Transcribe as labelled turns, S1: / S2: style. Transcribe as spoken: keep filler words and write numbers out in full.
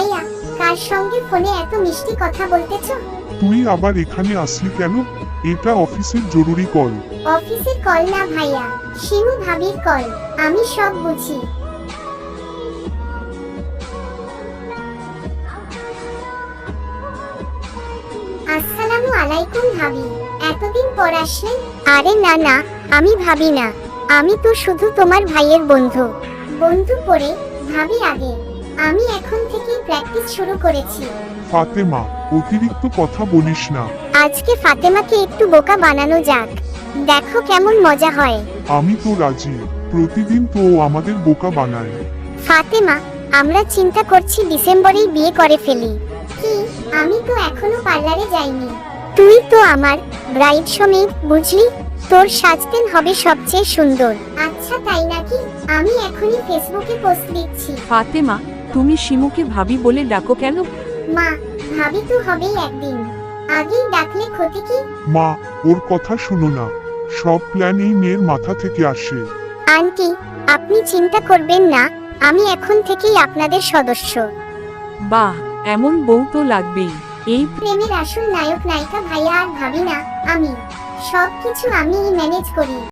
S1: ভাইয়া, কার সঙ্গে ফোনে এত মিষ্টি কথা বলতেছো?
S2: তুই আবার এখানে আসলি কেন? এটা অফিসের জরুরি কল।
S1: অফিসের কল না ভাইয়া, শিমু ভাবির কল। আমি সব বুঝি। আসসালামু আলাইকুম ভাবি, এতদিন পর আসলেন। আরে না না, আমি ভাবি না, আমি তো শুধু তোমার ভাইয়ের বন্ধু। বন্ধু পরে ভাবি আগে। আমি এখন থেকে প্র্যাকটিস শুরু করেছি।
S2: ফাতেমা, অতিরিক্ত কথা বলিস না।
S1: আজকে ফাতেমাকে একটু বোকা বানানো যাক, দেখো কেমন মজা হয়।
S2: আমি তো রাজি, প্রতিদিন তো ও আমাদের বোকা বানায়।
S1: ফাতেমা, আমরা চিন্তা করছি ডিসেম্বরেই বিয়ে করে ফেলি। কি? আমি তো এখনো পার্লারে যাইনি। তুই তো আমার ব্রাইড সমেত, বুঝলি? তোর সাজতেন হবে সবচেয়ে সুন্দর। আচ্ছা তাই নাকি? আমি এখনই ফেসবুকে পোস্ট দিচ্ছি।
S3: ফাতেমা, তুমি শিমুকে ভাবি বলে ডাকো কেন?
S1: মা, ভাবি তো হবেই একদিন, আগেই ডাকলে ক্ষতি কি?
S2: মা, ওর কথা শুনো না, সব প্ল্যান এই মেয়ের মাথা থেকে আসে।
S1: আন্টি, আপনি চিন্তা করবেন না, আমি এখন থেকেই আপনাদের সদস্য।
S3: বাহ, এমন বউ তো লাগবেই। এই
S1: প্রেমের আসল নায়ক নায়িকা ভাইয়া আর ভাবি না, আমি। সবকিছু আমিই ম্যানেজ করি।